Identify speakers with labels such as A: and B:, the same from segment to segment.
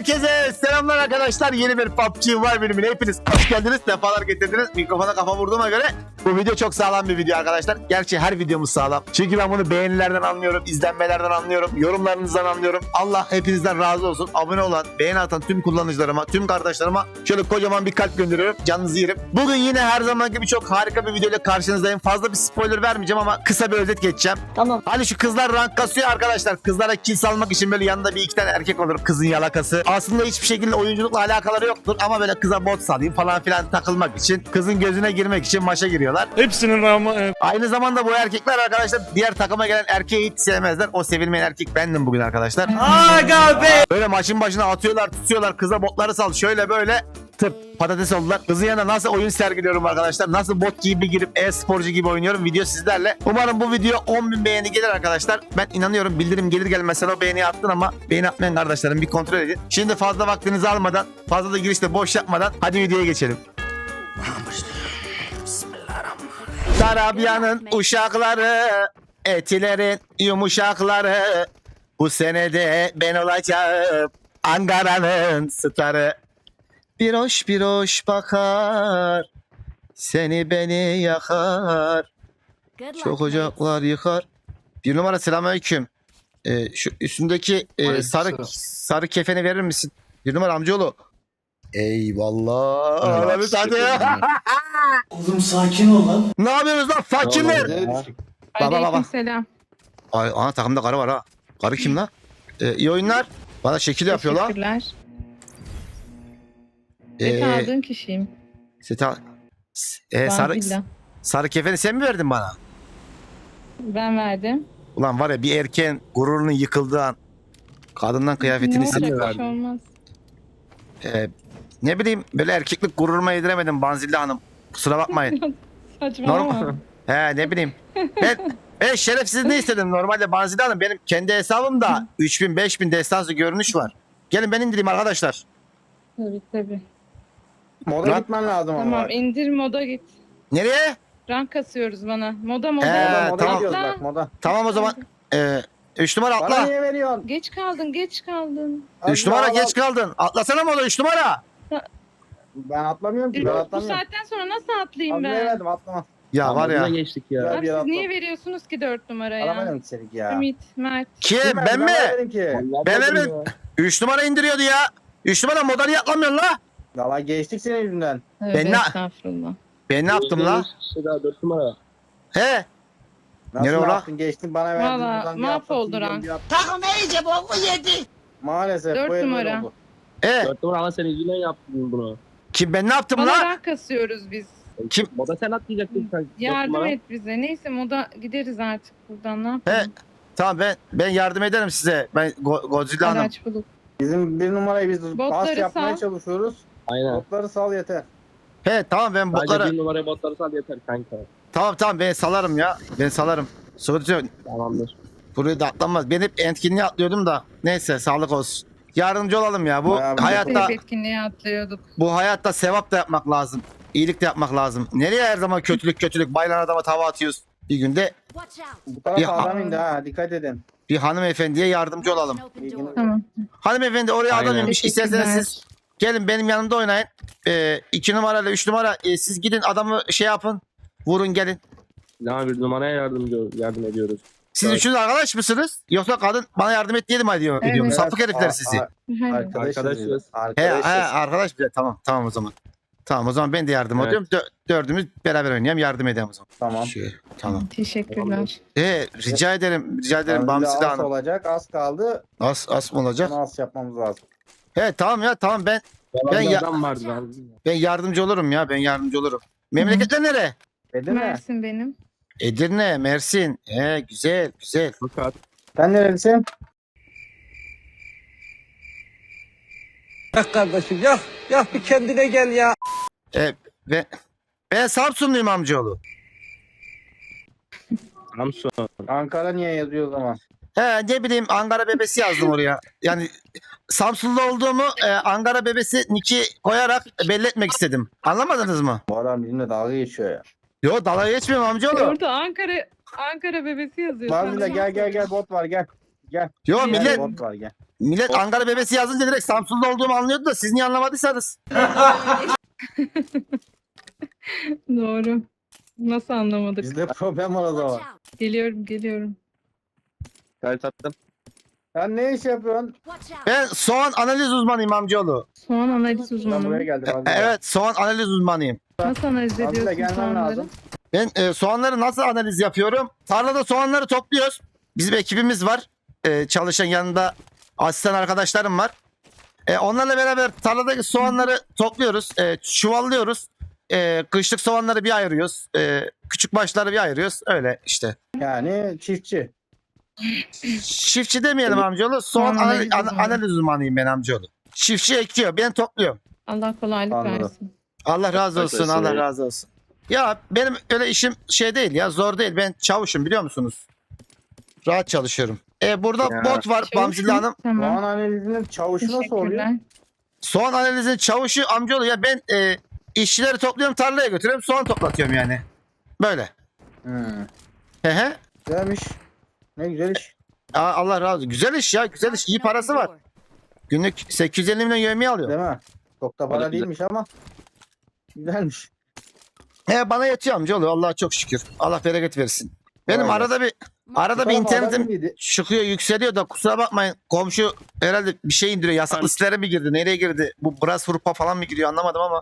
A: Herkese selamlar arkadaşlar. Yeni bir PUBG Mobile bölümüne hepiniz hoş geldiniz. Defalar getirdiniz. Mikrofona kafa vurduğuma göre bu video çok sağlam bir video arkadaşlar. Gerçi her videomuz sağlam. Çünkü ben bunu beğenilerden anlıyorum, izlenmelerden anlıyorum, yorumlarınızdan anlıyorum. Allah hepinizden razı olsun. Abone olan, beğeni atan tüm kullanıcılarıma, tüm kardeşlerime şöyle kocaman bir kalp gönderiyorum. Canınızı yerim. Bugün yine her zaman gibi çok harika bir videoyla karşınızdayım. Fazla bir spoiler vermeyeceğim ama kısa bir özet geçeceğim.
B: Tamam.
A: Hani şu kızlar rank kasıyor arkadaşlar. Kızlara kill salmak için böyle yanında bir iki tane erkek olur, kızın yalakası. Aslında hiçbir şekilde oyunculukla alakaları yoktur ama böyle kıza bot salayım falan filan takılmak için, kızın gözüne girmek için maça giriyorlar.
C: Hepsinin rağmen
A: Aynı zamanda bu erkekler arkadaşlar diğer takıma gelen erkeği hiç sevmezler. O sevilmeyen erkek bendim bugün arkadaşlar.
C: Aga be!
A: Böyle maçın başına atıyorlar, tutuyorlar, kıza botları sal şöyle böyle tıp patates oldular. Kızın yanında nasıl oyun sergiliyorum arkadaşlar. Nasıl bot gibi girip e-sporcu gibi oynuyorum. Video sizlerle. Umarım bu video 10.000 beğeni gelir arkadaşlar. Ben inanıyorum, bildirim gelir gelmez sen o beğeniyi attın ama beğeni atmayan kardeşlerim bir kontrol edin. Şimdi fazla vaktinizi almadan, fazla da girişte boş yapmadan hadi videoya geçelim. Tarabya'nın uşakları, etilerin yumuşakları. Bu senede ben olacağım Ankara'nın starı. Bir hoş bakar, seni beni yakar, çok ocaklar yıkar. Bir numara selamünaleyküm. Şu üstündeki sarı kefeni verir misin? Bir numara amcaoğlu. Eyvallah. Abi hadi ya.
D: Oğlum sakin ol lan.
A: Ne yapıyorsunuz lan fakirler? Baba.
B: Aleykümselam.
A: Ay ana takımda karı var ha. Karı kim lan? İyi oyunlar. Bana şekil yapıyor lan.
B: Teşekkürler. Ne aldığın kişiyim.
A: Seta. Sarı,
B: Vanilla.
A: sarı kefeni sen mi verdin bana?
B: Ben verdim.
A: Ulan var ya bir erkeğin gururunun yıkıldığı an kadından kıyafetini
B: Ne
A: istedi.
B: olacak, bir şey olmaz.
A: Ne bileyim böyle erkeklik gururuma yediremedim Banzilli Hanım. Kusura bakmayın.
B: Saçmalama.
A: He ne bileyim. Ben şerefsiz ne istedim normalde Banzilli Hanım. Benim kendi hesabımda 3000 5000 destansı görünüş var. Gelin ben indireyim arkadaşlar.
B: Tabii.
D: Moda
A: Lan.
D: gitmen lazım ama.
B: Tamam, indir moda git.
A: Nereye?
B: Rank kasıyoruz bana. Moda.
D: Moda
A: tamam.
D: gidiyoruz bak moda.
A: Tamam o zaman. 3 numara
D: Bana
A: atla.
D: niye veriyorsun?
B: Geç kaldın.
A: 3 numara geç kaldın. Atlasana mı o da 3 numara?
D: Ben atlamıyorum ki. Ben
B: Bu
D: atlamıyorum.
B: saatten sonra nasıl atlayayım
D: Atmaya
B: ben?
D: verdim atlama.
A: Ya var ya.
E: geçtik ya.
D: Güzel
B: Abi
D: bir
B: siz
D: atla.
B: niye veriyorsunuz ki 4 numaraya?
D: Alamayalım ki senin ya.
B: Ümit, Mert.
A: Kim?
D: Kim
A: Ben mi?
D: vermedim ki.
A: Ben vermedim. 3 numara indiriyordu ya. 3 numara moda niye atlamıyorsun la?
D: Valla geçtik senin yüzünden.
B: Evet,
A: Ben ne-
B: estağfurullah.
A: Ben ne yaptım la?
E: Daha 4 numara.
A: He?
D: Nasıl
A: Nereye ola?
D: yaptın? Geçtin bana verdin.
B: Valla,
D: buradan bir
B: mahvoldu
D: atlatayım,
B: rank.
D: bir at- Maalesef.
B: Dört
D: bu el böyle
B: numara.
D: oldu.
E: 4 numara ama sen yüzünden yaptın bunu.
A: Kim ben ne yaptım
B: Bana
A: la?
B: rank kasıyoruz biz.
A: Kim?
E: Moda sen atlayacaktın sen.
B: Yardım et bize. Neyse moda gideriz artık buradan. Ne
A: He?
B: yapalım?
A: Tamam ben yardım ederim size. Ben Godzilla Hanım.
B: Araç bulup.
D: Bizim bir numarayı biz pas
B: Botları
D: yapmaya
B: sal.
D: çalışıyoruz.
E: Aynen.
D: Botları sal yeter.
A: He tamam ben
E: Sadece
A: botları.
E: bir numaraya botları sal yeter kanka.
A: Tamam ben salarım ya. Ben salarım. Sıkıntı yok.
E: Tamamdır.
A: Burayı da atlanmaz. Ben hep etkinliğe atlıyordum da. Neyse sağlık olsun. Yardımcı olalım ya. Bu
D: Bayağı bir
A: hayatta
B: Hep etkinliğe atlıyorduk.
A: bu hayatta sevap da yapmak lazım. İyilik de yapmak lazım. Nereye her zaman kötülük bayılan adama tava atıyoruz. Bir günde
D: Bu tarafa
A: Ya.
D: adam indi ha. Dikkat edin.
A: bir hanımefendiye yardımcı olalım.
B: Tamam.
A: Hanımefendi oraya adam
E: Aynen.
A: inmiş. İsterseniz siz gelin benim yanımda oynayın. 2 numarayla 3 numara siz gidin adamı şey yapın. Vurun gelin.
E: Daha bir numaraya yardım ediyoruz.
A: Siz
E: Evet.
A: üçünüz arkadaş mısınız? Yoksa kadın bana yardım et diyelim diyor.
B: Evet.
A: Ediyorum. Sapık
D: Evet,
A: herifler
D: a-
A: sizi.
B: Hayır.
D: Arkadaşız.
E: Arkadaşız.
A: Arkadaş bile tamam o zaman. Tamam o zaman ben de yardım
E: Evet.
A: ediyorum. Dördümüz beraber oynayalım yardım edelim o zaman.
D: Tamam.
A: Şöyle, tamam.
B: Teşekkürler.
A: Rica ederim Bamsile
D: Az
A: Hanım.
D: olacak. Az kaldı.
A: As mı olacak?
D: Onu az yapmamız lazım.
A: Tamam ya tamam ben
E: Ben
A: ya-
E: adam vardı lan.
A: yardımcı olurum ya ben yardımcı olurum. Memleketler nere?
D: Dedin mi?
B: Mersin benim.
A: Edirne, Mersin. Güzel.
E: Fakat
D: Sen nerelisin?
F: Yak kardeşim yak. Yak bir kendine gel ya.
A: Ben Samsunluyum amcaoğlu.
E: Samsun.
D: Ankara niye yazıyor o zaman?
A: Ne bileyim Ankara bebesi yazdım oraya. Yani Samsunlu olduğumu Ankara bebesi niki koyarak belli etmek istedim. Anlamadınız mı?
D: Bu adam bizimle dalga geçiyor ya.
A: Yo dalga geçmiyorum amcaoğlu.
B: Orada Ankara bebesi yazıyor.
D: Var bir de gel bot var gel. Gel.
A: Yo
B: Gel.
A: millet
D: Bot var gel.
A: millet Ankara bebesi yazınca direkt Samsun'da olduğumu anlıyordu da siz niye anlamadıysanız.
B: Doğru. Nasıl anlamadık?
D: Bizde problem var o zaman.
B: Geliyorum.
E: Kayıt attım.
D: Sen ne iş yapıyorsun?
A: Ben soğan analiz uzmanıyım amcaoğlu.
B: Soğan analiz
D: Ben buraya
B: uzmanı.
D: geldim. Azile.
A: Evet soğan analiz uzmanıyım.
B: Nasıl analiz
D: Azile
B: ediyorsun
D: gelmen
B: soğanları?
D: lazım.
A: Ben soğanları nasıl analiz yapıyorum? Tarlada soğanları topluyoruz. Bizim ekibimiz var. Çalışan yanında asistan arkadaşlarım var. Onlarla beraber tarladaki soğanları topluyoruz. Çuvallıyoruz. Kışlık soğanları bir ayırıyoruz. Küçük başları bir ayırıyoruz. Öyle işte.
D: Yani çiftçi.
A: Çiftçi demeyelim amcaoğlu. Soğan
B: Soğan analiz uzmanı.
A: analiz uzmanıyım ben amcaoğlu. Çiftçi ekiyor. Ben topluyorum.
B: Allah kolaylık
D: Anladım.
B: versin.
A: Allah razı olsun.
E: Arkadaşlar,
A: Allah razı olsun. Ya benim öyle işim şey değil ya. Zor değil. Ben çavuşum biliyor musunuz? Rahat çalışıyorum. Burada
E: Ya.
A: bot var
B: Çavuş
A: Bamzilli
B: mu?
A: Hanım.
B: Tamam.
D: Soğan analizinin çavuşu nasıl oluyor?
B: Teşekkürler.
A: Soğan analizinin çavuşu amcaoğlu ya ben işçileri topluyorum tarlaya götürüyorum soğan toplatıyorum yani. Böyle.
D: Hmm.
A: Hehe.
D: Güzelmiş. Ne güzel iş.
A: Allah razı olsun. Güzel iş ya güzel iş. İyi parası var. Günlük 850 milyon yevmiye alıyor.
D: Değil mi? Çok da para
E: Güzel.
D: değilmiş ama. Güzelmiş.
A: Bana yetiyor amcaoğlu Allah'a çok şükür. Allah bereket versin. Benim
D: Vay be.
A: arada bir
D: Bu taraf
A: internetim
D: adam mıydı?
A: çıkıyor yükseliyor da kusura bakmayın. Komşu herhalde bir şey indiriyor. Yasak listelere mi girdi? Nereye girdi? Bu Bras Hurpa falan mı giriyor anlamadım ama.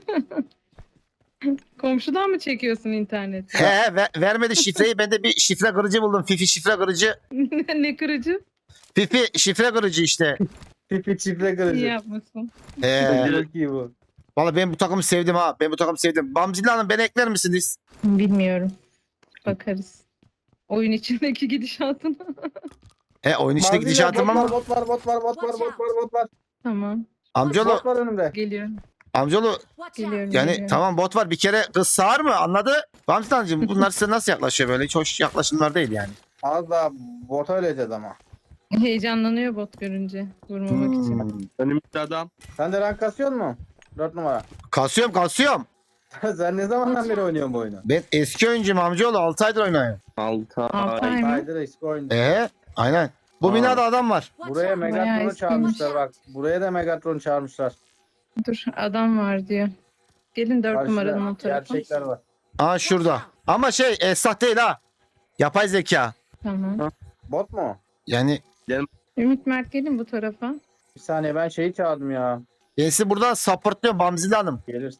B: Komşudan mı çekiyorsun interneti?
A: Vermedi şifreyi. Ben de bir şifre kırıcı buldum. Fifi şifre kırıcı.
B: Ne kırıcı?
A: Fifi şifre kırıcı işte.
D: Pipi çifre
B: İyi
D: kırıcı.
B: yapmışsın.
D: Çok iyi bu.
A: Valla ben bu takımı sevdim ha. Ben bu takımı sevdim. Bamzilli Hanım beni ekler misiniz?
B: Bilmiyorum. Bakarız. Oyun içindeki gidişatına.
A: Oyun içindeki
D: Manzilya,
A: gidişatım ama.
D: bot var.
B: Tamam.
A: Amcaoğlu,
D: Bot var önümde.
B: Geliyorum.
A: amcaoğlu
B: Geliyorum.
A: yani
B: geliyorum.
A: tamam bot var bir kere kız sağır mı anladı? Bamzilli Hanımcığım bunlar size nasıl yaklaşıyor böyle? Hiç hoş yaklaşımlar değil yani.
D: Az daha bota öleceğiz ama.
B: Heyecanlanıyor bot görünce. Vurmamak için.
E: Önümüzde adam.
D: Sen de rank kasıyor mu? 4 numara.
A: Kasıyorum.
D: Sen ne zamandan beri oynuyorsun bu oyunu?
A: Ben eski oyuncuyum amcaoğlu 6 aydır oynuyorum.
B: Altı ay mı?
D: Aydır eski oyun.
A: Aynen. Bu
D: Aa.
A: binada adam var.
D: Buraya
B: Bayağı
D: Megatron'u
B: eskiymiş.
D: çağırmışlar bak. Buraya da Megatron'u çağırmışlar.
B: Dur adam var diyor. Gelin 4
D: Karşıda
B: numaradan o tarafa.
D: gerçekler var.
A: Aa şurada. Ama esnaf değil ha. Yapay zeka.
B: Tamam.
D: Bot mu?
A: Yani
B: Ümit Mert gelin bu tarafa.
D: Bir saniye ben şeyi çağırdım ya.
A: ben sizi buradan supportluyorum Bamzilli Hanım.
D: Gelir.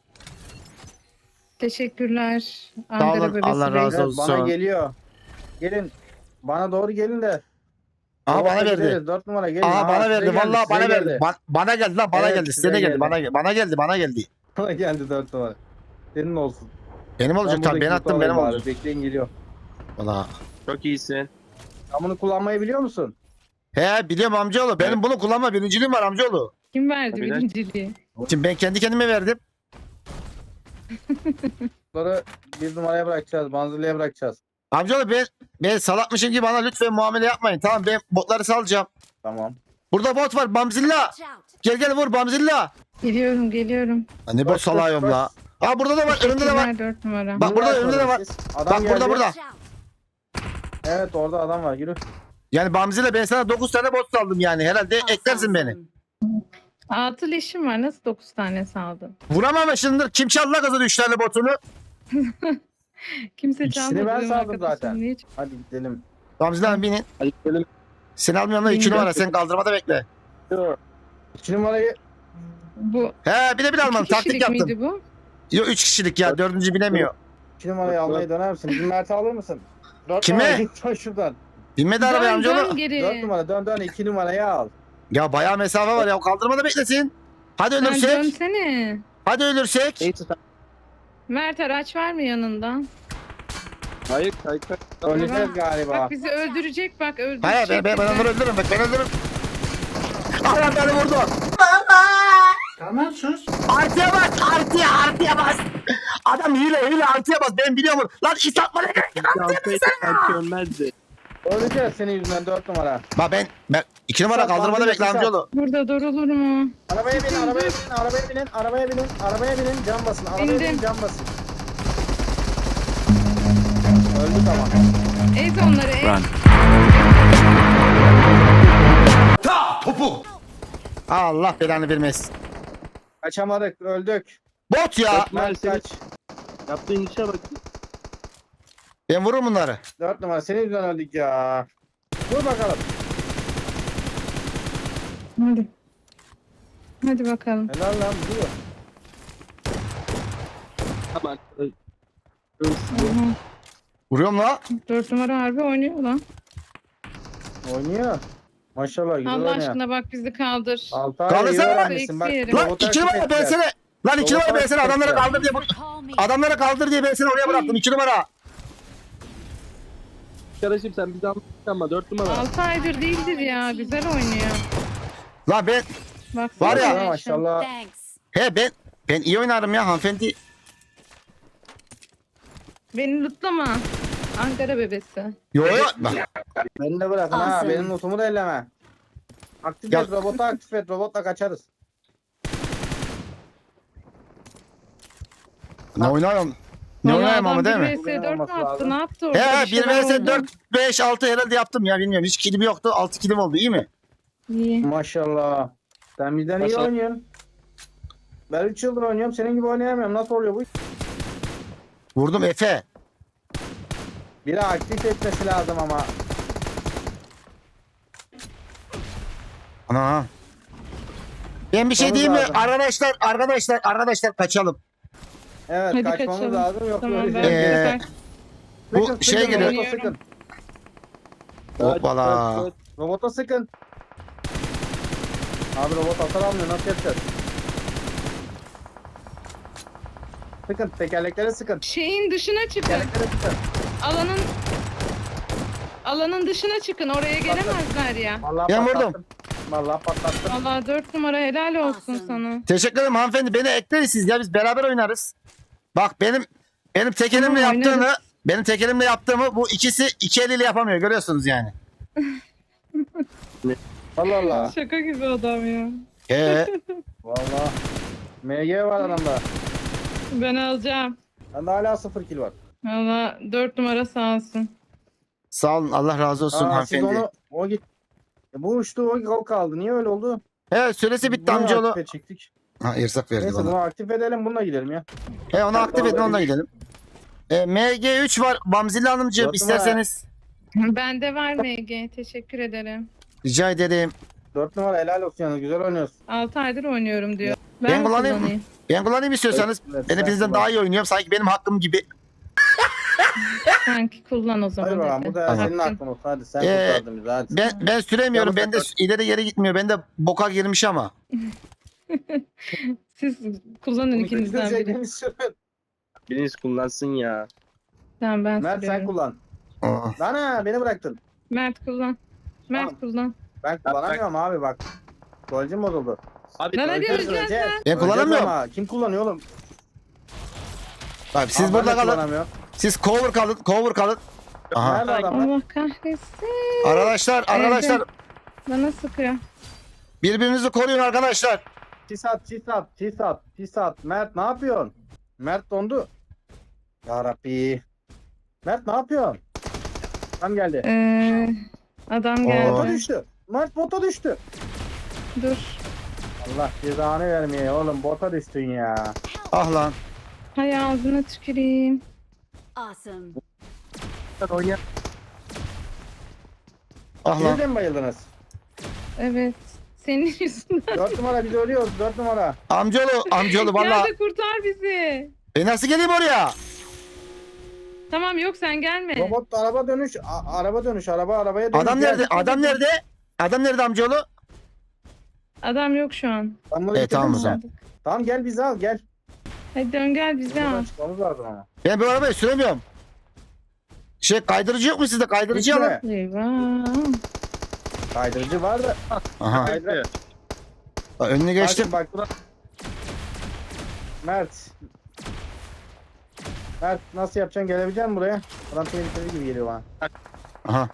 B: Teşekkürler.
A: Sağ
B: Ankara
A: olun,
B: bebesi
A: Allah
B: Bey.
A: razı
D: Evet,
A: olsun.
D: bana geliyor. Gelin. Bana doğru gelin de.
A: Aha bana
D: Gideriz,
A: verdi.
D: 4 numara gelin.
A: Aha bana
D: size
A: verdi.
D: geldi,
A: Vallahi
D: size
A: bana
D: geldi.
A: verdi. Bana geldi lan bana
D: Evet,
A: geldi.
D: size
A: Size de geldi.
D: geldi.
A: Bana geldi.
D: Bana geldi 4 numara. Senin olsun.
A: Benim olacak tabii. Ben
D: buradaki
A: attım
D: loot'u
A: benim
D: alayım
A: olacak.
D: bari, bekleyin geliyor.
A: Valla.
E: Çok iyisin.
D: Sen bunu kullanmayı biliyor musun?
A: Biliyorum amcaoğlu. Benim bunu kullanma birinciliğim var amcaoğlu.
B: Kim verdi
E: Tabii lan.
B: birinciliği?
A: Şimdi ben kendi kendime verdim.
D: Bunları 1 numaraya bırakacağız. Banzırlıya bırakacağız.
A: Amcaoğlu ben salakmışım gibi bana lütfen muamele yapmayın. Tamam ben botları salacağım.
D: Tamam.
A: Burada bot var Bamzilla. Gel vur Bamzilla.
B: Geliyorum.
A: Ha, ne bot
D: Koş,
A: salayım
D: koş,
A: la. Aa burada da var önünde de var.
B: Teşekkürler 4 numara.
A: Bak burada önünde de var.
D: Adam
A: Bak burada
D: geldi.
A: burada.
D: Evet orada adam var. Yürü.
A: Yani Bamzilla ben sana 9 tane bot saldım yani. Herhalde eklersin beni.
B: 6 leşim var. Nasıl 9 tane saldın?
A: Vuramamışsındır. Kim çaldı la kızın 3 tane botunu?
B: Kimse
D: İkisini
B: çalmadı.
D: ben
B: benim
D: saldım
B: arkadaşım.
D: zaten.
B: Niye
D: Hadi gidelim.
A: Bamzilla Hanım binin.
E: Hadi gidelim.
A: Seni almıyorum da 2
B: Bilmiyorum.
A: numara. Sen kaldırmada bekle.
D: 2 numarayı
B: Bu
A: Bir de bir almam.
B: 2
A: Taktik
B: kişilik
A: yaptım.
B: miydi bu?
A: Yok 3 kişilik ya. 4. binemiyor.
D: 2 numarayı almayı döner misin? Bizim Mert'i alır mısın? 4
A: Kime?
D: numara git sen şuradan.
A: Binmedi arabaya
B: Dön
A: amcaoğlu.
B: geri.
D: 4 numara dön 2 numarayı al.
A: Ya bayağı mesafe var ya. Kaldırmada beklesin. Hadi
B: Sen
A: ölürsek.
B: dönsene.
A: Hadi ölürsek.
E: Neyse sen.
B: Mert araç var mı yanında?
E: Hayır.
D: Öleceğiz galiba.
B: Bak bizi öldürecek bak öldürecek.
A: Hayır ben
B: bizi.
A: onları öldürürüm. Bak ben öldürürüm. Adam beni vurdu.
F: Tamam sus.
A: Artıya bas. Adam hile artıya bas. Ben biliyorum. Lan iş atma ne gerek yok.
E: Belki ölmezdi.
D: Öleceğiz senin yüzünden 4 numara.
A: Bak ben 2 numara
D: Sat,
A: kaldırmada
D: bandırma,
A: bekle
D: sat.
A: amcaoğlu.
B: Burada durulur mu?
D: Arabaya binin. Cam basın.
B: Bindim.
D: Cam basın. Öldü tamam.
B: Ez onları ez.
A: Allah belanı vermesin.
D: Kaçamadık, öldük.
A: Bot ya.
D: Mert
E: senin-
D: kaç.
E: Yaptığın işe bak.
A: Ben vururum bunları.
D: 4 numara senin yüzünden öldük ya. Vur bakalım.
B: Hadi. Hadi bakalım.
D: Helal lan vuruyor.
E: Tamam.
B: Aha.
A: Vuruyorum la.
B: 4 numara harbi oynuyor lan.
D: Oynuyor. Maşallah güzel
B: Allah
D: oynuyor.
B: aşkına bak bizi kaldır.
D: Altay
A: Kaldırsana.
D: iyi öğrenmişsin bak.
B: Eksi
A: Lan
D: robotu
A: 2 numara
D: aktif
A: ben
D: ettiler.
A: seni. Lan 2 numara ben seni adamları
D: Robotu
A: kaldır diye adamları kaldır diye ben seni oraya bıraktım 2 numara.
E: Arkadaşım sen bir daha ama 4 numara.
B: 6 aydır değildir ya. Güzel oynuyor.
A: Lan ben
B: Baksana.
A: Var ya.
B: şuna.
D: Maşallah.
A: he ben iyi oynarım ya hanımefendi.
B: Beni lütlama. Ankara bebesi.
A: Yo yo. Bak,
D: Beni de bırakın ha.
G: Awesome.
D: Benim notumu da elleme. Aktif
A: Ya-
D: et robotu aktif et. Robotla kaçarız.
A: ne oynayayım? Ne
B: Vallahi
A: oynayayım ama
B: adam
A: değil mi?
B: 1 vs 4 mü
D: Olması
B: attı?
D: lazım.
B: Ne yaptı orada?
A: He
B: Bir
A: 1
B: şeyler
A: vs
B: oldu.
A: 4 5 6 herhalde yaptım ya bilmiyorum. Hiç kilim yoktu. 6 kilim oldu iyi mi?
B: İyi.
D: Maşallah. Sen bizden iyi
E: Maşallah.
D: oynuyorsun. Ben 3 yıldır oynuyorum. Senin gibi oynayamıyorum. Nasıl oluyor bu?
A: Vurdum Efe.
D: Biri aktif etmesi lazım ama.
A: Ana. Ben bir şey
D: Kaçmamız
A: diyeyim mi?
D: lazım.
A: Arkadaşlar kaçalım.
D: Evet
B: Hadi
D: kaçmamız
B: kaçalım.
D: lazım. Yok
B: Tamam
D: böyle
B: ben
D: şey.
A: Ee,
B: kaç.
A: bu
D: Sıkın,
A: şey
D: sıkın,
A: geliyor.
D: Robota sıkın.
A: Hoppala.
D: Robota sıkın. Abi robot hasar almıyor. Nasıl yapacağız? Sıkın. Tekerleklere sıkın.
B: Şeyin dışına çıkın.
D: Tekerleklere sıkın.
B: Alanın dışına çıkın. Oraya gelemezler ya.
D: Vallahi
A: Ben
D: patlattım.
A: vurdum.
D: Vallahi patlattım.
B: Vallahi 4 numara helal olsun
G: Awesome.
B: sana.
A: Teşekkür ederim hanımefendi. Beni ekleriz siz ya biz beraber oynarız. Bak benim tek elimle
B: Tamam,
A: yaptığımı
B: oynarız.
A: benim tek elimle yaptığımı bu ikisi iki eliyle yapamıyor görüyorsunuz yani.
D: Allah Allah.
B: Şaka gibi adam ya.
D: Vallahi. MG var adamda.
B: Ben alacağım.
D: Bende hala 0 kill var.
B: Valla 4 numara sağ olsun.
A: Sağ olun Allah razı olsun
D: Aa, siz
A: hanımefendi.
D: onu o git. Bu uçtu o kaldı. Niye öyle oldu?
A: He süresi bitti
D: Bunu
A: amcaoğlu.
D: aktif edecektik.
A: Ha ırsak verdi
D: Neyse
A: bana.
D: bunu aktif edelim bununla gidelim ya.
A: He onu aktif edin onunla gidelim. MG3 var Bamzili Hanımcığım
D: Dört
A: isterseniz.
B: Bende var MG. Teşekkür ederim.
A: Rica ederim.
D: 4 numara helal olsun yalnız güzel oynuyorsun.
B: 6 aydır oynuyorum diyor.
A: Ben kullanayım. Ben kullanayım istiyorsanız.
D: Evet,
A: Ben
D: sen
A: hepinizden
D: kullan.
A: daha iyi oynuyorum. Sanki benim hakkım gibi.
B: Sanki kullan o zaman.
D: Hadi bakalım
B: hadi.
D: bu da
A: Tamam.
D: senin aklın olsun hadi sen
A: Ee,
D: kurtardın bizi hadi.
A: Ben süremiyorum.
D: Yalnız
A: Ben de ileri geri gitmiyor. Ben de boka girmiş ama.
B: Siz kullanın
D: Bunu
B: ikinizden
D: götürecek
B: biri.
D: beni sürün.
E: Biriniz kullansın ya.
B: Tamam ben
D: Mert sen
B: sürüyorum.
D: kullan.
A: Aa.
D: Lan beni bıraktın.
B: Mert kullan. Mert
D: Tamam.
B: kullan.
D: Ben kullanamıyorum abi bak. Golcüm bozuldu.
E: Abi
B: Lan hadi
D: Öleceğiz,
B: öleceğiz
D: öleceğiz.
B: lan.
A: Ben kullanamıyorum.
D: Öleceğiz ama. Kim kullanıyor oğlum?
A: Abi siz
D: Aa,
A: burada
D: ben de
A: kalın.
D: kullanamıyorum.
A: Siz cover kalın. Cover kalın. Aha.
D: Nerede adamlar?
B: Allah kahretsin.
A: Arkadaşlar
B: Bana sıkıyor.
A: birbirinizi koruyun arkadaşlar.
D: Tisat. Mert ne yapıyorsun? Mert dondu. Ya Rabbi. Mert ne yapıyorsun? Tam geldi.
B: Adam
A: Oo.
D: Bota
B: geldi.
D: düştü. Mert bota düştü.
B: Dur.
D: Allah cezanı vermeye oğlum bota düştün ya.
A: Ah lan.
B: Hay ağzına tüküreyim.
G: Awesome.
E: oynayan
A: Ah lan.
D: Siz de mi bayıldınız?
B: Evet. Senin yüzünden.
D: 4 numara biz ölüyoruz 4 numara.
A: Amcaoğlu
B: Gel
A: valla.
B: de kurtar bizi.
A: Nasıl geleyim oraya?
B: Tamam yok sen gelme.
D: Robot araba dönüş arabaya dönüş.
A: Adam
D: Gel.
A: nerede? Adam nerede? Adam nerede amcaoğlu?
B: Adam yok şu an.
D: Ben bunu
A: Evet, tamam o
D: bitirdim
A: zaman.
D: mi? Tamam gel bizi al gel.
B: Hadi dön gel bizi al.
D: Buradan çıkmamız lazım ama.
A: Ben bu arabayı süremiyorum. Kaydırıcı yok mu sizde? Kaydırıcı
D: Hiç
A: alın.
D: mi?
B: Eyvah.
D: Kaydırıcı var da.
A: Aha.
D: Kaydır.
A: Önünü geçtim.
D: Bak buna. Mert. Mert nasıl yapacaksın gelebilecek misin buraya? Adam tehlikeli gibi geliyor bana.
A: Aha.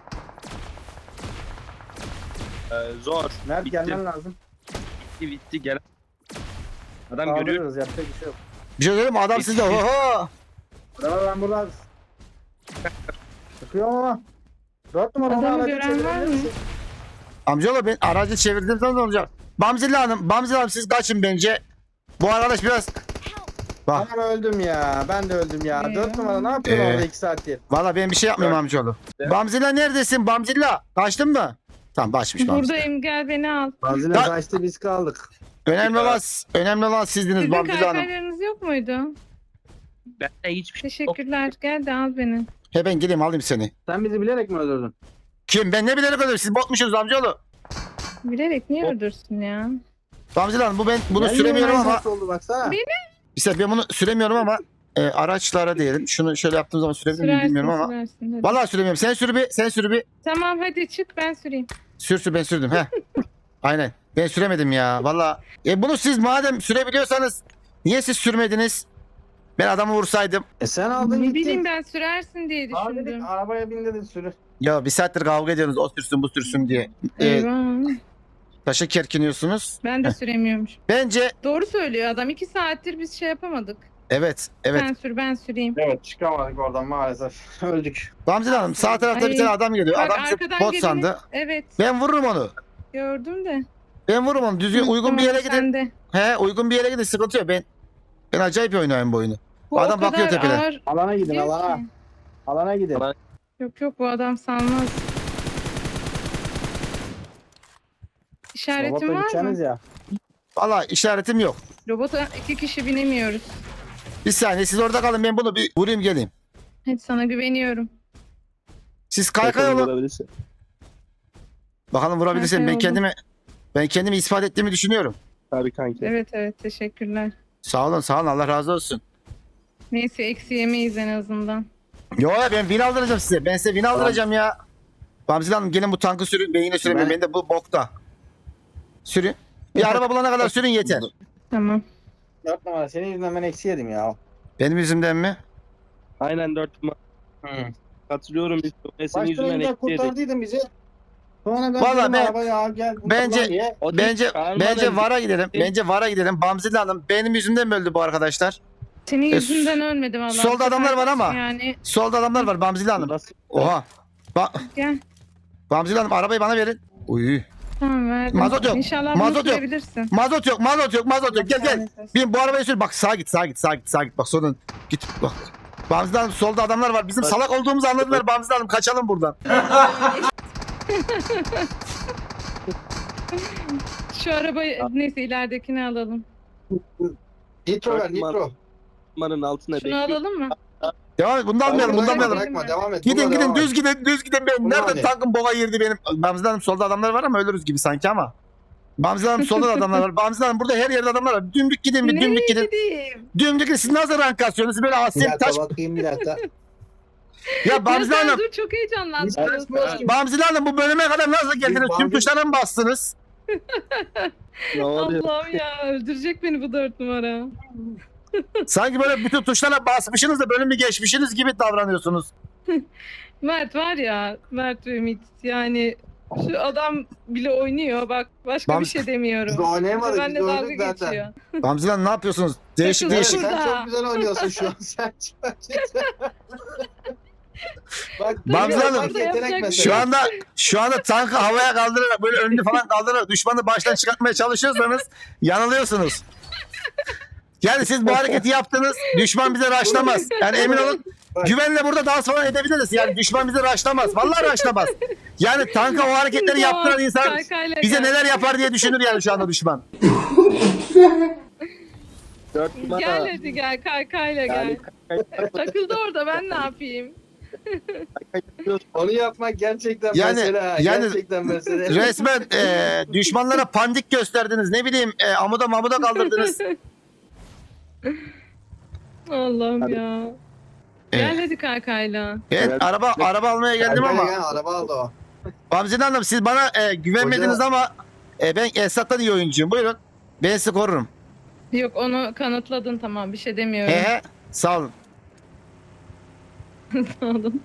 E: zor.
D: Mert
E: Bitti.
D: gelmen lazım.
E: Bitti gel. Adam görüyor.
D: Kaldırırız yapacak bir şey yok.
A: Bir şey söyleyeyim mi? Adam sizde. Oho.
D: Ben burada sıkıyorum ama. 4 numara
B: Adamı
D: ona
B: gören
D: çevirebilir
B: var mı?
D: misin?
A: Amcaoğlu ben aracı çevirdim ne olacak? Bamzilla Hanım siz kaçın bence. Bu arkadaş biraz... Bak
D: Anam öldüm ya. Ben de öldüm ya.
B: Eyvah.
D: 4 numara ne yapıyorsun
A: Ee.
D: orada 2 saattir?
A: valla ben bir şey yapmıyorum amcaoğlu. Bamzilla neredesin Bamzilla? Kaçtın mı? Tamam kaçmış Bamzilla.
B: Buradayım, gel beni al.
D: Bazıları
A: Ya-
D: kaçtı biz kaldık.
A: Önemli olan sizdiniz
B: Sizin
A: Bamzilla Hanım.
B: kaykaylarınız yok muydu?
E: Ben de hiçbir şey yok.
B: Teşekkürler. Gel de al beni.
A: He ben gideyim alayım seni.
D: Sen bizi bilerek mi öldürdün?
A: Kim? Ben ne bilerek öldüm? Siz botmuşsunuz amcaoğlu.
B: Bilerek niye öldürsün ya?
A: Bamzilla Hanım bunu
D: Geldi
A: süremiyorum
D: hemen
A: ama...
D: nasıl oldu baksana.
A: İşte ben bunu süremiyorum ama araçlara diyelim. Şunu şöyle yaptığım zaman sürebilir miyim
B: Sürersin,
A: bilmiyorum ama.
B: sürersin. Hadi.
A: Vallahi süremiyorum. Sen sür bir.
B: Tamam hadi çık, ben süreyim.
A: Ben sürdüm. He. Aynen. Ben süremedim ya. Vallahi. Bunu siz madem sürebiliyorsanız niye siz sürmediniz? Ben adamı vursaydım.
D: Sen aldın
B: Ne
D: gittin.
B: bileyim, ben sürersin diye
D: Abi dedik,
B: düşündüm.
D: arabaya bin dedin sürü.
A: Ya bir saattir kavga ediyorsunuz. O sürsün bu sürsün diye.
B: Eyvah.
A: Taşı kerkiniyorsunuz.
B: Ben de süremiyormuş.
A: Bence
B: Doğru söylüyor adam. 2 saattir biz şey yapamadık.
A: evet.
B: Sen sür, ben süreyim.
D: Evet çıkamadık oradan maalesef. Öldük.
A: Bamzil Hanım sağ tarafta bir
B: Ay.
A: tane adam geliyor.
B: Bak,
A: Adam bizi
B: arkadan
A: bot
B: geleni-
A: sandı.
B: Evet,
A: Ben vururum onu.
B: gördüm de.
A: Ben vururum onu. Düzgün uygun bir yere gidin.
B: Sen de.
A: He uygun bir yere gidin sıkıntı yok. Ben acayip oynuyorum bu oyunu.
B: Bu
A: Adam
B: o
A: bakıyor
B: kadar
A: tepeden.
B: ağır
D: Alana gidin
B: diyor
D: alana.
B: ki.
D: Alana gidin.
E: Alana-
B: Yok bu adam salmaz. İşaretin
D: Robotla
B: var
D: gideceğiniz
B: mı?
D: ya.
A: Valla işaretim yok.
B: Robota 2 kişi binemiyoruz.
A: Bir saniye siz orada kalın ben bunu bir vurayım geleyim.
B: Hadi sana güveniyorum.
A: Siz kaykay olun.
E: Olabilirsin.
A: Bakalım vurabilirsem
B: Kaykay
A: ben
B: olun.
A: kendimi ispat ettiğimi düşünüyorum.
E: Tabii kanki.
B: Evet teşekkürler.
A: Sağ olun Allah razı olsun.
B: Neyse eksi yemeyiz en azından.
A: Yo ya ben win aldıracağım size. Ben size win aldıracağım ya. Bamzil Hanım gelin bu tankı sürün. Ben yine süremiyorum. Ben de bu bokta. Sürün. Bir araba bulana kadar sürün yeter.
B: Tamam.
D: 4 numara senin yüzünden ben eksi yedim ya.
A: Benim yüzümden mi?
E: Aynen 4 numara. Katılıyorum. Biz senin
D: Başta
E: yüzünden
D: önden
E: ekleyedik.
D: kurtardıydın bizi. Sonra ben
A: Vallahi
D: dedim
A: ben-
D: arabaya al gel.
A: bence-
D: kurban diye.
E: O değil,
A: Bence
E: çağırmadan-
A: VAR'a gidelim. Bence VAR'a gidelim. Bamzil Hanım benim yüzümden mi öldü bu arkadaşlar?
B: Senin yüzünden ölmedim Allah.
A: solda adamlar var ama.
B: Yani
A: Solda adamlar var Bamzil Hanım.
E: Nasıl?
A: Oha.
B: gel.
A: Bamzil Hanım arabayı bana verin. Uy.
B: Tamam verdim.
A: Mazot yok.
B: İnşallah
A: Mazot
B: bunu
A: yok.
B: sürebilirsin.
A: Mazot yok. Gel. Bin bu arabayı sür. Bak sağa git. Bak sonra git bak. Bamzil Hanım solda adamlar var. Bizim salak olduğumuzu anladılar Bamzil Hanım. Kaçalım buradan.
B: Şu arabayı neyse ileridekini alalım.
D: Nitro ver
E: Dört numara.
D: nitro.
E: Numaranın altında
B: Şunu
E: bekliyor.
B: alalım mı?
A: Devam et. Bunu da almayalım. Bunu da
B: Bırakma,
A: almayalım.
D: Bırakma devam et.
A: Gidin
D: Bununla
A: gidin
D: devam et.
A: düz gidin ben
D: Bunu
A: nerede
D: hani-
A: tankım boğa girdi benim. Bamzil Hanım solda adamlar var ama ölürüz gibi sanki ama. Bamzil Hanım solda da adamlar var. Bamzil Hanım burada her yerde adamlar var. Dümdük gidin bir
B: Nereye
A: dümdük gidin.
B: gideyim?
A: Dümdük gidin. Siz nasıl rank kasıyorsunuz? Böyle
D: Bir
A: asil
D: dakika
A: taş.
D: bakayım bir dakika.
A: Ya Bamzil
B: Ya sen
A: Hanım.
B: dur çok heyecanlandım.
D: Biz karışmıyoruz ki.
A: Bamzil Hanım bu bölüme kadar nasıl geldiniz? Tüm
D: Bamzil-
A: tuşlara mı bastınız?
E: Ne oluyor?
B: Allah'ım ya öldürecek beni bu 4 numara.
A: Sanki böyle bütün tuşlara basmışsınız da bölümü geçmişsiniz gibi davranıyorsunuz.
B: Mert var ya, Mert ve Ümit yani şu adam bile oynuyor bak başka
A: Bam-
B: bir şey demiyorum.
D: Biz oynayamadık.
B: Ben de
D: Biz
B: dalga
D: öldük zaten.
B: geçiyor.
A: Bamzil Hanım ne yapıyorsunuz? Değişik
B: Takılın.
D: Evet,
A: değişik.
D: sen
B: Burada.
D: çok güzel oynuyorsun şu an. Sen Bak
A: Bamzil
D: bak,
A: Hanım,
D: yetenek mesela.
A: Şu anda tankı havaya kaldırarak böyle önünü falan kaldırarak düşmanı baştan çıkartmaya çalışıyorsanız yanılıyorsunuz. Yani siz bu hareketi yaptınız. Düşman bize raşlamaz. Yani emin olun güvenle burada dans falan edebiliriz. Yani düşman bize raşlamaz. Vallahi raşlamaz. Yani tanka o hareketleri yaptıran insan
B: Kaykayla
A: bize
B: gel.
A: neler yapar diye düşünür yani şu anda düşman.
E: 4 numara.
B: Gel hadi gel kaykayla gel. Takıldı orada ben ne yapayım?
D: Onu yapmak gerçekten
A: Yani-
D: mesela.
A: yani-
D: Gerçekten mesela.
A: Resmen düşmanlara pandik gösterdiniz. Ne bileyim amuda mamuda kaldırdınız.
B: Allah'ım
E: Hadi.
B: ya.
A: Evet.
B: Gel hadi kaykayla.
A: Evet,
E: Evet.
A: araba almaya geldim ama.
D: Gel, araba aldı o.
A: Bamzin Hanım siz bana güvenmediniz
D: Hoca-
A: ama ben Esat'tan iyi oyuncuyum. Buyurun. Ben sizi korurum.
B: Yok onu kanıtladın tamam bir şey demiyorum.
A: He sağ olun.
B: Sağ olun.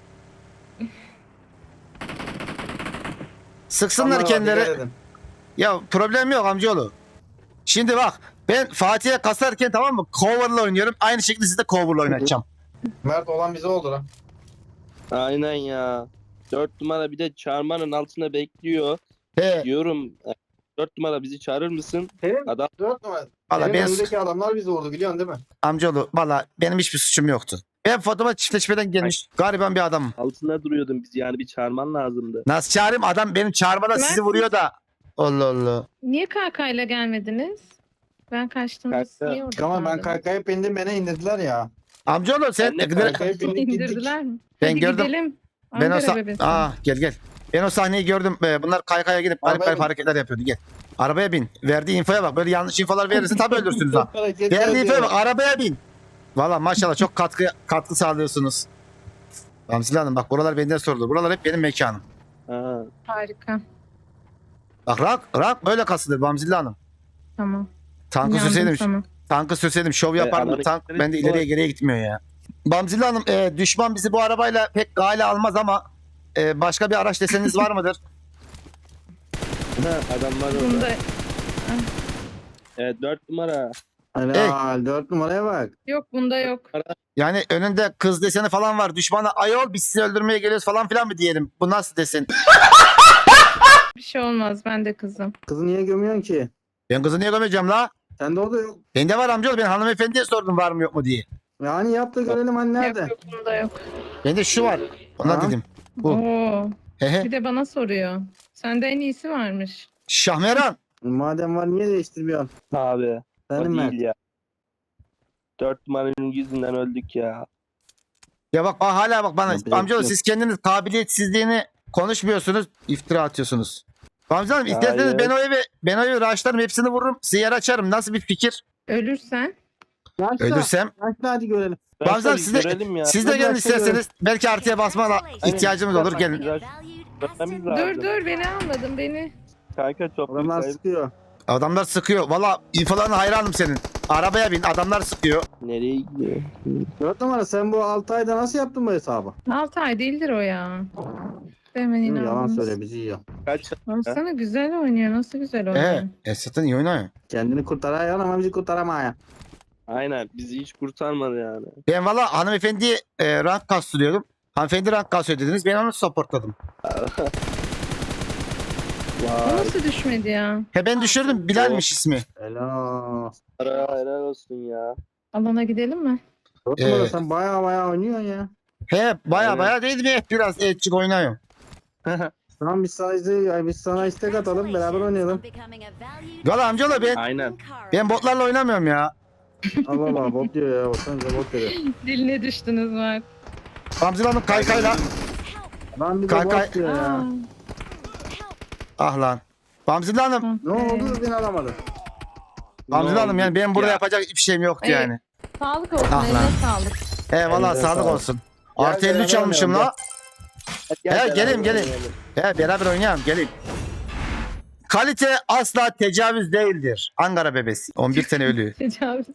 A: Sıksınlar
D: Aman
A: kendileri.
D: dikkat edin.
A: Ya problem yok amcaoğlu. Şimdi bak ben Fatih'e kasarken tamam mı cover'la oynuyorum. Aynı şekilde siz de cover'la oynatacağım.
D: Mert olan bize oldu lan.
E: Aynen ya. 4 numara bir de çarmanın altında bekliyor.
A: He.
E: Diyorum 4 numara bizi çağırır mısın?
D: Senin
E: Adam
D: 4 numara.
A: Valla
D: Senin
A: ben
D: önündeki adamlar bizi vurdu biliyorsun değil mi?
A: amcaoğlu valla benim hiçbir suçum yoktu. Ben fotoğraf çiftleşmeden gelmiş gariban bir adamım.
E: altında duruyordun bizi yani bir çağırman lazımdı.
A: Nasıl çağırayım? Adam benim çağırmadan
B: Mert-
A: sizi vuruyor da. Allah Allah.
B: Niye kaykayla gelmediniz? Ben kaçtım. Siz
E: Kayka-
B: niye orada
D: Ama ben
B: kaldınız?
D: kaykayıp bindim beni indirdiler ya.
A: Amcaoğlu sen
E: Ben de
D: Kaykayıp bindik gittik.
B: İndirdiler mi?
A: Ben
B: Hadi
A: gördüm.
B: gidelim.
A: Ben o
B: Ankara bebesi.
A: gel. Ben o sahneyi gördüm. Bunlar kaykaya gidip garip
D: Arabaya
A: garip
D: bin.
A: hareketler yapıyordu. Gel. Arabaya bin. Verdiği infoya bak. Böyle yanlış infolar verirsin tabii öldürsünüz ha.
D: Hareketler
A: Verdiği infoya
D: diyor.
A: bak. Arabaya bin. Valla maşallah çok katkı sağlıyorsunuz. Ramzile Hanım bak buralar benden sorulur. Buralar hep benim mekanım.
E: Ha.
B: Harika.
A: Bak rak böyle kasılır Ramzile Hanım.
B: Tamam.
A: Tankı
B: İnandım
A: sürseydim,
B: sana.
A: tankı sürseydim şov yapardım.
E: adamın
A: Tank
E: ekleri
A: bende
E: var.
A: ileriye geriye gitmiyor ya. Bamzile Hanım düşman bizi bu arabayla pek gale almaz ama başka bir araç deseniz var mıdır?
E: Adam var orada.
B: Bunda
E: Evet 4 numara.
D: Helal 4 numaraya bak.
B: yok, bunda yok.
A: Yani önünde kız deseni falan var. Düşmana ayol biz sizi öldürmeye geliyoruz falan filan mı diyelim? Bu nasıl desin?
B: Bir şey olmaz. Ben de kızım.
D: Kızı niye gömüyorsun ki?
A: Ben kızı niye gömeceğim la?
D: Sende o da yok.
A: Bende var amcaoğlu. Ben hanımefendiye sordum var mı yok mu diye.
D: Yani yap da görelim hani nerede?
B: Yok yok, bunda yok.
A: Bende şu var. Ona
D: Ha?
A: dedim. Bu.
B: Oo.
A: Hehe.
B: Bir de bana soruyor. Sende en iyisi varmış.
A: Şahmeran.
D: Madem var niye değiştirmiyorsun?
E: Abi. O
D: Benim Mert.
E: değil ya. 4 numaranın yüzünden öldük ya.
A: Ya bak hala bak bana.
D: Yapacak
A: Amcaoğlu
D: bir şey
A: siz kendiniz kabiliyetsizliğini konuşmuyorsunuz. İftira atıyorsunuz. Amca Hanım isterseniz
E: Hayır.
A: ben o evi raşlarım hepsini vururum. Size yer açarım. Nasıl bir fikir?
B: Ölürsen
D: Yaşla.
A: Ölürsem.
D: Yaşla hadi görelim.
A: Bazen
E: Tabii
A: siz de-
E: görelim ya.
A: Siz de gelin
D: Hadi
A: isterseniz. Belki artıya basma ihtiyacımız olur. Gelin.
E: Görmemiz
B: dur
E: lazım.
B: dur, beni almadın beni.
E: Kanka çok büyük
D: Adamlar
E: ayıp.
D: sıkıyor.
A: Adamlar sıkıyor. Valla infolarına hayranım senin. Arabaya bin. Adamlar sıkıyor.
E: Nereye gidiyor?
D: 4 numara sen bu 6 ayda nasıl yaptın bu hesabı?
B: 6 ay değildir o ya. Hemen
D: Yalan
B: inandınız.
D: söyle bizi yiyor.
E: Kaç?
B: Baksana güzel oynuyor. Nasıl güzel oynuyor.
A: Esat'ın iyi oynuyor.
D: Kendini kurtarıyor ama bizi kurtaramıyor.
E: Aynen bizi hiç kurtarmadı yani.
A: Ben valla hanımefendiye rank kastırıyordum. Hanımefendi rank kasıyor dediniz. Ben onu supportladım.
B: O
E: Vay.
B: nasıl düşmedi ya?
A: He ben düşürdüm. Bilal'miş ismi.
D: Helal.
E: Helal olsun ya.
B: Alana gidelim mi?
D: 4 numara
A: Evet.
D: sen baya oynuyorsun ya.
A: He baya
E: Aynen.
A: baya değil mi? Biraz etçik oynuyor.
D: Tamam biz sana istek atalım beraber oynayalım.
A: Valla amcaoğlu
E: Aynen.
A: ben botlarla oynamıyorum ya.
D: Allah Allah bot diyor ya. Baksanıza bot diyor.
B: Diline düştünüz Mert.
A: Bamzile Hanım kaykayla.
D: Lan bir de
A: Kaykay-
D: bot diyor
B: Aa,
D: ya.
A: Ah lan. Bamzile Hanım.
D: Ne oldu beni alamadı.
A: Bamzile Hanım yani benim burada
E: Ya.
A: yapacak hiçbir şeyim yoktu
B: Evet.
A: yani.
B: Sağlık olsun,
A: Ah
B: eline
A: lan.
B: sağlık.
A: He valla
D: Elinize
A: sağlık
D: sağlık.
A: olsun.
D: Gel,
A: Artı 53
D: beraber
A: almışım
D: oynayalım,
A: la. He gelin gelin. He beraber oynayalım gelin. Kalite asla tecavüz değildir. Ankara bebesi. 11 sene ölüyor.
B: Tecavüz.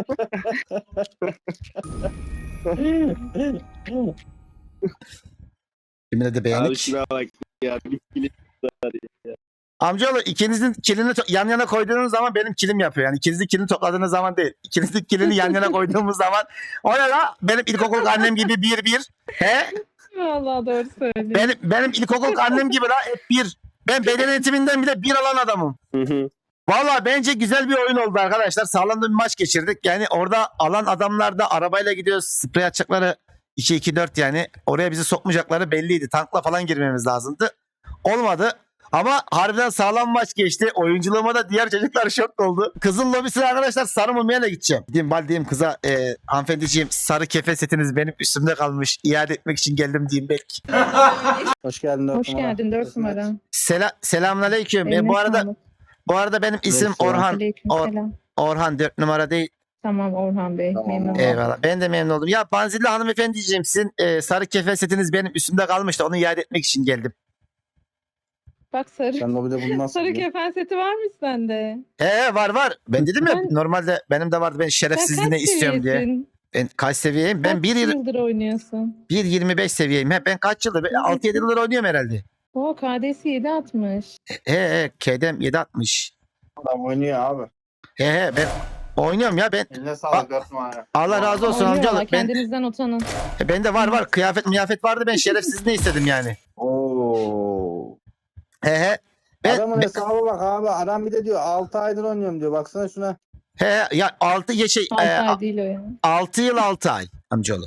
A: Kimine de
E: Abi
A: beğendik.
E: şuna bak ya. Bir kilit var ya.
A: Amcaoğlu ikinizin kilini yan yana koyduğunuz zaman benim kilim yapıyor. Yani ikinizin kilini topladığınız zaman değil. İkinizin kilini yan yana koyduğumuz zaman o ne la? Benim ilkokul annem gibi bir. He?
B: Vallahi doğru söylüyorsun.
A: Benim ilkokul annem gibi la hep bir. Ben beden eğitiminden bile bir alan adamım.
E: Hı hı.
A: Valla bence güzel bir oyun oldu arkadaşlar. Sağlam da bir maç geçirdik. Yani orada alan adamlar da arabayla gidiyoruz. Sprey atacakları 2-2-4 yani. Oraya bizi sokmayacakları belliydi. Tankla falan girmemiz lazımdı. Olmadı. Ama harbiden sağlam maç geçti. Oyunculuğuma da diğer çocuklar şok oldu. Kızın lobisine arkadaşlar sarı mumyayla gideceğim. Diyeyim kıza hanımefendiciğim sarı kefe setiniz benim üstümde kalmış. İade etmek için geldim diyeyim belki.
D: Hoş geldin 4
B: Hoş
D: numara.
B: geldin 4 numara.
A: Selamünaleyküm.
B: Eline
A: Bu arada benim isim
D: Aleykümselam.
A: Orhan.
B: Aleykümselam.
A: Orhan 4 numara değil.
B: Tamam Orhan Bey.
D: Tamam.
B: Memnun oldum.
A: Eyvallah. Ben de memnun oldum. Ya Banzilli hanımefendiciğim sizin sarı kefe setiniz benim üstümde kalmıştı. Onu iade etmek için geldim.
B: Bak sarı.
D: Sen lobide bulmazsın.
B: Sarı kefen seti var mı sende?
A: Var. Ben dedim ya
B: Ben-
A: normalde benim de vardı. Ben
B: Sen
A: şerefsizliğine
B: kaç
A: istiyorum diye.
B: seviyesin?
A: Ben kaç seviyeyim? Ben
B: Kaç yıldır oynuyorsun?
A: 1.25 seviyeyim. Ben kaç yıldır? 6-7 yıldır oynuyorum herhalde.
B: O KD'si 7.60.
A: K'dem 7.60.
D: Adam oynuyor abi.
A: Ben oynuyorum ya ben.
D: Eline sağlık 4 numara.
A: Allah razı olsun
B: Oynuyorlar,
A: amcaoğlu. Ben,
B: kendinizden utanın.
A: bende var. Kıyafet vardı. Ben şerefsizliğine istedim yani.
D: Oo. Adamın hesabı bak abi. Adam bir de diyor 6 aydır oynuyorum diyor. Baksana şuna.
A: He ya 6
B: 6 ay değil o ya.
A: 6 yıl 6 ay amcaoğlu.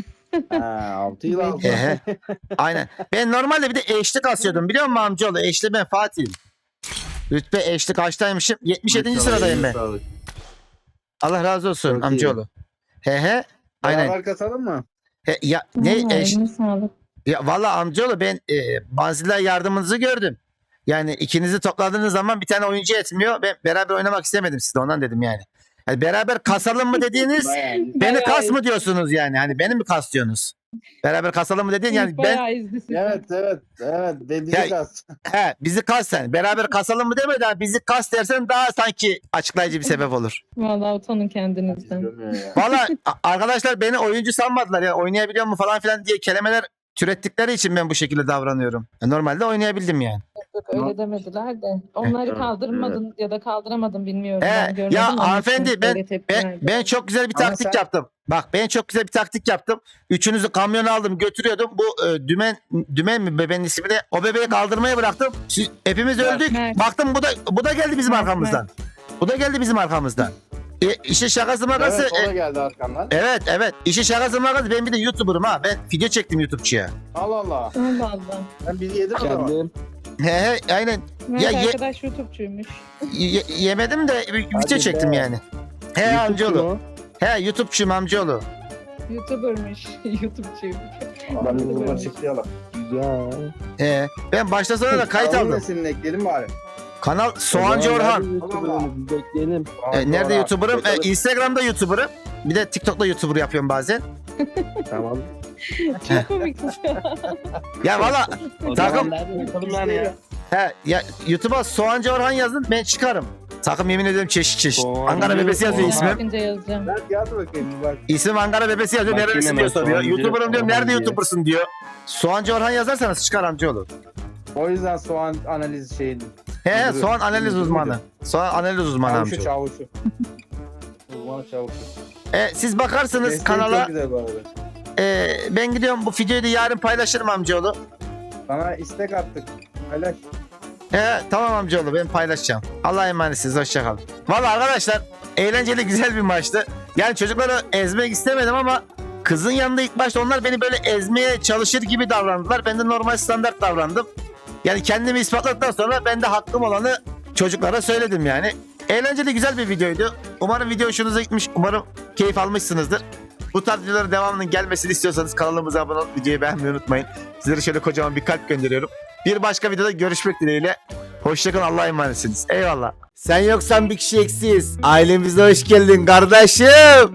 D: Ha 6 yıl 6
A: He he. Aynen. Ben normalde bir de eşlik asıyordum biliyor musun amcaoğlu? Eşli ben Fatih'im. Rütbe eşlik kaçtaymışım? 77. sıradayım ben. Allah razı olsun
D: Çok iyi.
A: amcaoğlu. He he. Aynen.
D: Beraber kasalım mı?
A: He, ya ne
B: Vallahi
A: eş,
B: eline sağlık.
A: ya valla amcaoğlu ben bazılar yardımınızı gördüm. Yani ikinizi topladığınız zaman bir tane oyuncu etmiyor. Ben beraber oynamak istemedim sizle ondan dedim yani. Yani beraber kasalım mı dediğiniz
D: Bayağı iyi.
A: beni
B: Bayağı
A: kas
B: iyi.
A: mı diyorsunuz yani? Hani beni mi kas diyorsunuz? Beraber kasalım mı dediğin yani ben
B: Bayağı izlisin.
D: Evet. Bizi
A: Ya-
D: kas.
A: bizi kas sen. Beraber kasalım mı deme de bizi kas dersen daha sanki açıklayıcı bir sebep olur.
B: Vallahi utanın kendinizden.
A: Valla arkadaşlar beni oyuncu sanmadılar ya oynayabiliyor mu falan filan diye kelimeler türettikleri için ben bu şekilde davranıyorum. Normalde oynayabildim yani.
B: Yok öyle demediler de. Onları kaldırmadın ya da kaldıramadın bilmiyorum.
A: He,
B: Ben görmedim
A: ya
B: ama
A: hanımefendi,
B: çok
A: ben-
B: böyle tepki verdi.
A: Ben çok güzel bir
D: Ama
A: taktik
D: sen-
A: yaptım. Bak ben çok güzel bir taktik yaptım. Üçünüzü kamyona aldım götürüyordum. Bu dümen mi bebeğin ismi de o bebeği kaldırmaya bıraktım. Hepimiz öldük.
B: Mert.
A: Baktım bu da geldi bizim
B: Mert,
A: arkamızdan. Bu da geldi bizim arkamızdan. İşin şakası makası.
D: Evet o da geldi arkamdan.
A: Evet. İşin şakası makası. Ben bir de YouTuber'ım ha. Ben video çektim YouTube'çuya.
D: Allah Allah.
B: Allah Allah.
D: Ben bizi yedim o zaman.
E: Kendim.
A: He aynen.
B: Mert
A: Ya ye-
B: arkadaş YouTube'cuymuş.
A: Yemedim de video
D: Hadi
A: çektim
D: be.
A: yani. He amcaoğlu. He YouTube'çuyum amcaoğlu.
B: YouTuber'mış. YouTube'cuyum.
D: Ben de buradan çıklayalım.
E: Güzel.
A: He. Ben başta sonra da kayıt
D: Kanalın
A: aldım.
D: nesilini ekleyelim bari.
A: Kanal Soğancı Orhan.
E: Bekleyelim.
A: Nerede
D: Sonra-
A: YouTuber'ım?
D: Bakalım.
A: Instagram'da YouTuber'ım. Bir de TikTok'ta YouTuber yapıyorum bazen.
E: Tamam.
B: Çok komiksin.
A: Ya valla
E: O
A: Takım-
E: zaman nerede yapalım yani ya?
A: ya YouTube'a Soğancı Orhan yazın ben çıkarım. Takım yemin ediyorum çeşit.
E: Soğancı
A: Ankara bebesi yazıyor
E: Orhan.
A: ismim.
B: Bakınca yazacağım.
D: Mert yaz bakayım bir bak.
A: İsmim Ankara bebesi yazıyor.
E: Bakayım
A: Nerelisin
E: hemen
A: diyor soruyor.
E: Soğancı
A: YouTuber'ım diyorum.
E: Orhan
A: Nerede
E: diye.
A: YouTuber'sın diyor. Soğancı Orhan yazarsanız çıkar amcaoğlu.
D: O yüzden soğan analiz şeyi.
A: He
D: Müdürü.
A: soğan analiz
D: Müdürü
A: uzmanı.
D: müydü?
A: Soğan analiz uzmanı
D: Çavuşu
A: amcaoğlu.
D: çavuşu. Uzmanı çavuşu.
A: Siz bakarsınız
D: Mesleği
A: kanala.
D: çok güzel bu arada.
A: Ben gidiyorum bu videoyu da yarın paylaşırım amcaoğlu.
D: Sana istek attık. Paylaş.
A: Tamam amcaoğlu ben paylaşacağım. Allah'a emanetsiniz hoşçakalın. Valla arkadaşlar eğlenceli güzel bir maçtı. Yani çocukları ezmek istemedim ama kızın yanında ilk başta onlar beni böyle ezmeye çalışır gibi davrandılar. Ben de normal standart davrandım. Yani kendimi ispatladıktan sonra ben de hakkım olanı çocuklara söyledim yani. Eğlenceli güzel bir videoydu. Umarım video hoşunuza gitmiş. Umarım keyif almışsınızdır. Bu tarz videoların devamının gelmesini istiyorsanız kanalımıza abone olup videoyu beğenmeyi unutmayın. Sizlere şöyle kocaman bir kalp gönderiyorum. Bir başka videoda görüşmek dileğiyle. Hoşçakalın Allah'a emanetsiniz. Eyvallah. Sen yoksan bir kişi eksiyiz. Ailemize hoş geldin kardeşim.